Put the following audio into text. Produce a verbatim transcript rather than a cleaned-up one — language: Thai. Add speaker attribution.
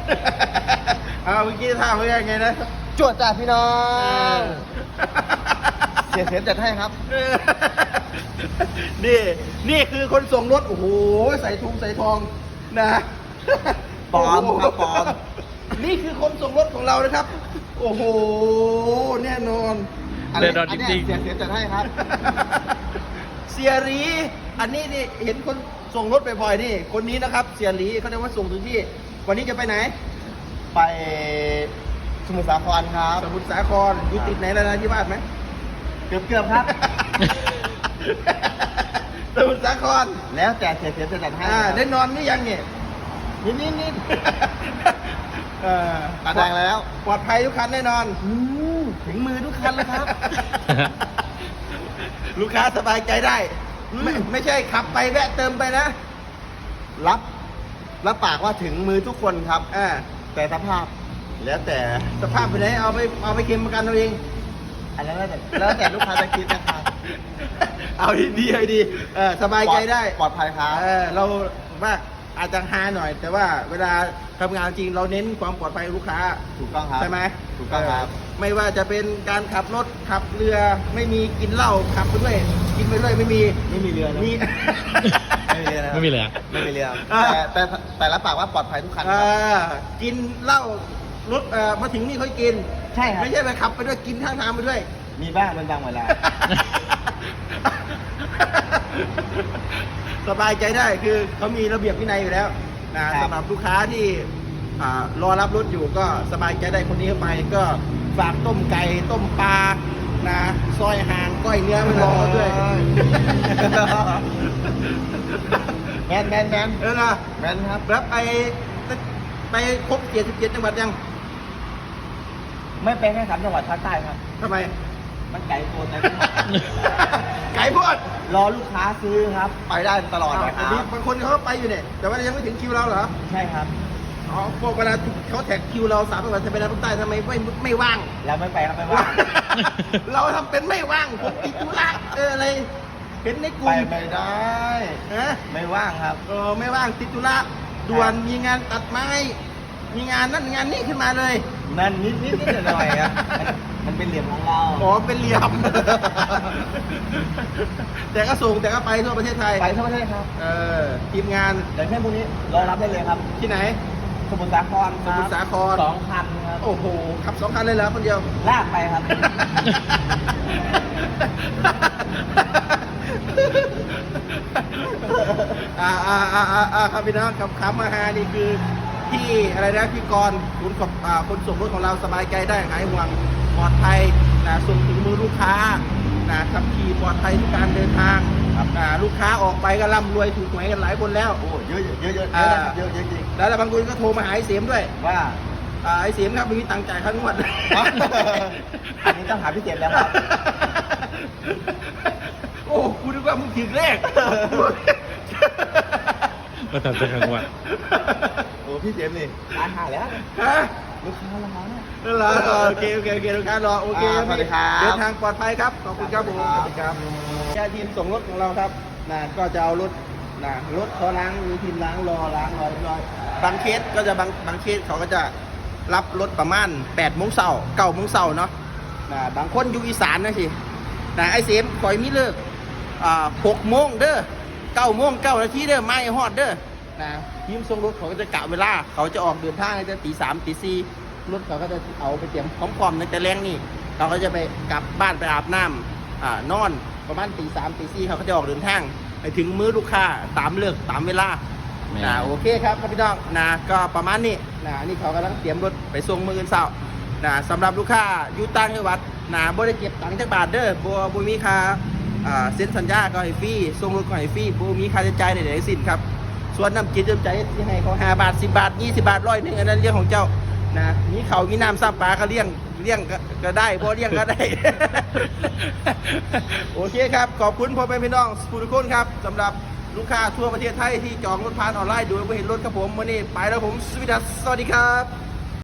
Speaker 1: เอาเมื่อกี้ท่าเขายังไงนะ
Speaker 2: จวดจ้าพี่น้องเสียเสียจัดให้ครับ
Speaker 1: นี่นี่คือคนส่งรถโอ้โหใส่ทุงใส่ทองนะ
Speaker 2: ปลอมครับปลอม
Speaker 1: นี่คือคนส่งรถของเรานะครับ โอ้โหแน่นอน
Speaker 2: อัน
Speaker 3: แน่
Speaker 2: นี้
Speaker 3: นอน
Speaker 2: อัน
Speaker 3: จริ
Speaker 2: เนี้ย
Speaker 3: งๆ
Speaker 2: เสียเสียจัดให้ครับ
Speaker 1: เสียหลีอันนี้นี่เห็นคนส่งรถบ่อยๆนี่คนนี้นะครับ เสียหลีเขาจะมาส่งถึงที่ วันนี้จะไปไหน
Speaker 2: ไปสมุทรสาครครับ
Speaker 1: สมุทรสาครอยู่ติดไหนแล้วนะที่บ้านไหม
Speaker 2: เกือบเกือบครับ
Speaker 1: สมุทรสาคร
Speaker 2: แล้วแต่เสียเสียจัดให้
Speaker 1: อ่า
Speaker 2: ครับ
Speaker 1: ได้นอนหรือยังเนี่ย
Speaker 2: นิดนิดนิด
Speaker 1: เออ
Speaker 2: ตาแดงแล้ว
Speaker 1: ปลอดภัยทุกคันแน่นอน
Speaker 2: อืมถึงมือทุกคันเลยครับ
Speaker 1: ลูกค้าสบายใจได้ ไม่ไม่ใช่ขับไปแวะเติมไปนะ
Speaker 2: รับรับปากว่าถึงมือทุกคนครับ
Speaker 1: อ่า
Speaker 2: แต่สภาพ แล้วแต่
Speaker 1: สภาพไปไหนเอาไปเอาไปเค็มประกันเอาเอง
Speaker 2: อันนั้นแล้วแต่แล้วแต่ลูกค้าจะคิดนะครับ
Speaker 1: เอาดีดีให้ดีเออสบายใจได้
Speaker 2: ปลอดภัยครับ
Speaker 1: เออเราว่าอาจจะฮาหน่อย แต่ว่าเวลาทำงานจริงเราเน้นความปลอดภัยลูกค้า
Speaker 2: ถูกต้องครับ
Speaker 1: ใช่ไหม
Speaker 2: ถูกต้องครับ
Speaker 1: เไม่ว่าจะเป็นการขับรถขับเรือไม่มีกินเหล้าขับไปด้วยกินไปด้วยไม่มี
Speaker 2: ไม่มีเรือนะ
Speaker 1: มี
Speaker 2: ไม่มีเรือนะ
Speaker 3: ไม่มีเลยอะ
Speaker 2: ไม่มีเรือ
Speaker 1: อ่า
Speaker 2: แต่แต่แต่รับปากว่าปลอดภัยทุกคันค
Speaker 1: เอ
Speaker 2: รับ
Speaker 1: อกินเหล้ารถเอ่อมาถึงนี่เขากิน
Speaker 2: ใช่ครับ
Speaker 1: ไม่ใช่ไปขับไปด้วยกินข้างทางไปด้วย
Speaker 2: มีบ้างเป็นบางเวลา
Speaker 1: สบายใจได้คือเขามีระเบียบวินัยอยู่แล้วนะครับ สำหรับลูกค้าที่อ่ารอรับรถอยู่ก็สบายใจได้คนนี้เข้าไปก็ฝากต้มไก่ต้มปลานะซอยหางก้อยเนื้อมันรอเขาด้วย
Speaker 2: แมนแมนแมน
Speaker 1: เออนะ
Speaker 2: แมนครับ
Speaker 1: แล้วไปไปครบเจ็ดสิบเจ็ดจังหวัดยัง
Speaker 2: ไม่ไปแค่สามจังหวัดภาคใต้ครับ
Speaker 1: ทำไม
Speaker 2: มันไกลตัวแต่
Speaker 1: ไก่พอด
Speaker 2: รอลูกค้าซื้อครับ ไปได้ตลอดเลยค
Speaker 1: อ่า
Speaker 2: รับ
Speaker 1: บางคนเขาก็ไปอยู่เนี่ยแต่ว่ายังไม่ถึงคิวเราเหรอ
Speaker 2: ใช่ครับ
Speaker 1: อ๋อพวกเวลาเขาแท็กคิวเราสามจังหวัดจะไปทางภาคใต้ทำไมไม่ไม่ว่าง
Speaker 2: เราไม่ไปครับไม่ว่าง
Speaker 1: เราทำเป็นไม่ว่างผมติดธุระเอออะไรเห็นในกลุ่
Speaker 2: ไป
Speaker 1: ม
Speaker 2: ไม่ได้
Speaker 1: ฮะ
Speaker 2: ไม่ว่างครับ
Speaker 1: เออไม่ว่างติดธุระด่วนมีงานตัดไม้ มีงานนั่นงานนี้ขึ้นมาเลย
Speaker 2: นั่นนิดนิดนิดหน่อยๆครับมันมันเป็นเหลี่ยมของเรา
Speaker 1: อ๋อเป็นเหลี่ยม แต่ก็ส่งแต่ก็ไปทั่วประเทศไทย
Speaker 2: ไปทั่วประเทศครับ
Speaker 1: เออทีมงาน
Speaker 2: อย่างเช่นพวกนี้รอรับได้เลยครับ
Speaker 1: ที่ไหน
Speaker 2: สมุทรสาครค
Speaker 1: ส
Speaker 2: รับ
Speaker 1: มุทรสาคร
Speaker 2: สองคันครับ
Speaker 1: โอ้โหขับสองคันเลยเหรอคนเดียว
Speaker 2: ลากไปครับ
Speaker 1: อ่าอ่าอ่าอ่าอ่าครับพี่น้องขับขับมาหานี่คือที่อะไรนะพี่กรณ์คุณขับอ่าคนส่งรถของเราสบายใจได้หายห่วงปลอดภัยนะส่งถึงมือลูกค้านะขับขี่ปลอดภัยทุกการเดินทาง
Speaker 2: ครับ
Speaker 1: อ่าลูกค้าออกไปก็ร่ำรวยถูกหวยกันหลายคนแล้ว
Speaker 2: โอ้เยอะเยอะเยอะเยอะ
Speaker 1: อ่า
Speaker 2: เยอะเยอะจริง
Speaker 1: แล้วบางคนก็โทรมาหาไอ้เสียมด้วย
Speaker 2: ว่า
Speaker 1: อ่าไอ้เสียมครับไม่มีตังค์จ่ายค่างวด
Speaker 2: อันนี้ต้องหาพี่เจ็บแล้วครับ
Speaker 1: โอ้กูนึกว่ามึงถึงเลข
Speaker 3: มาทำจะขังวัน
Speaker 2: โอ้พี่เจ็บนี่ร้านหาแล้ว
Speaker 1: ฮะ
Speaker 2: ลูกค้าร้านหาแล้ว
Speaker 1: นั่นเหรอโอเคโอเคโอเคลูกค้ารอโอเค
Speaker 2: อ่าสวัสดีครับ
Speaker 1: เดินทางปลอดภัยครับขอบคุณครับผม
Speaker 2: ส
Speaker 1: ส
Speaker 2: วั
Speaker 1: วั
Speaker 2: ส
Speaker 1: ส
Speaker 2: ดี
Speaker 1: ดี
Speaker 2: ค
Speaker 1: ค
Speaker 2: รั
Speaker 1: รับ บแค่ทีมส่งรถของเราครับนะก็จะเอารถนะรถเขาล้างมีทีมล้างรอล้างรอเรียบร้อยบางเคสก็จะบางบางเคสเขาก็จะรับรถประมาณแปดโมงเช้าเก้าโมงเช้าเนาะนะบางคนอยู่อีสานนะสินะไอ้เสียมคอยมีเลิกอ่าหกโมงเด้อเก้าโมงเก้านาทีเด้อไม่ฮอดเด้อนะทีมส่งรถเขาก็จะกะเวลา เขาจะออกเดินทางในตีสามตีสี่รถเขาก็จะเอาไปเตรียมพร้อมๆในแต่แรงนี่เขาก็จะไปกลับบ้านไปอาบน้ำอ่านอนประมาณตีสามตีสี่เขาก็จะออกเดินทางไปถึงมื้อลูกค้าตามเลิกตามเวลา
Speaker 3: แม่
Speaker 1: นะโอเคครับพี่น้องนะก็ประมาณนี้นะนี่เขากำลังเตรียมรถไปส่งมืออื่นเสาร์นะสำหรับลูกค้าอยู่ต่างจังหวัดนะบ่ได้เก็บตังค์จักบาทเด้อบ่บ่มีค่าอ่าเซ็นสัญญาก็ให้ฟรีส่งรถก็ให้ฟรีบ่มีค่าใช้จ่ายใดๆทั้งสิ้นครับส่วนน้ำจิตน้ำใจที่ให้เขาห้าบาทสิบบาทยี่สิบบาทร้อยหนึงอันนั้นเรื่องของเจ้านะมีเขาวมีน้ำซ้ำปลาก็เลี้ยงเลี้ยงก็ก็ได้บ่เลี้ยงก็ได้ โอเคครับขอบคุณพ่อแม่พี่น้องทุกคนครับสำหรับลูกค้าทั่วประเทศไทยที่จองรถผ่านออนไลน์โดยไม่เห็นรถครับผมวันนี้ไปแล้วผมสวัสดีครับ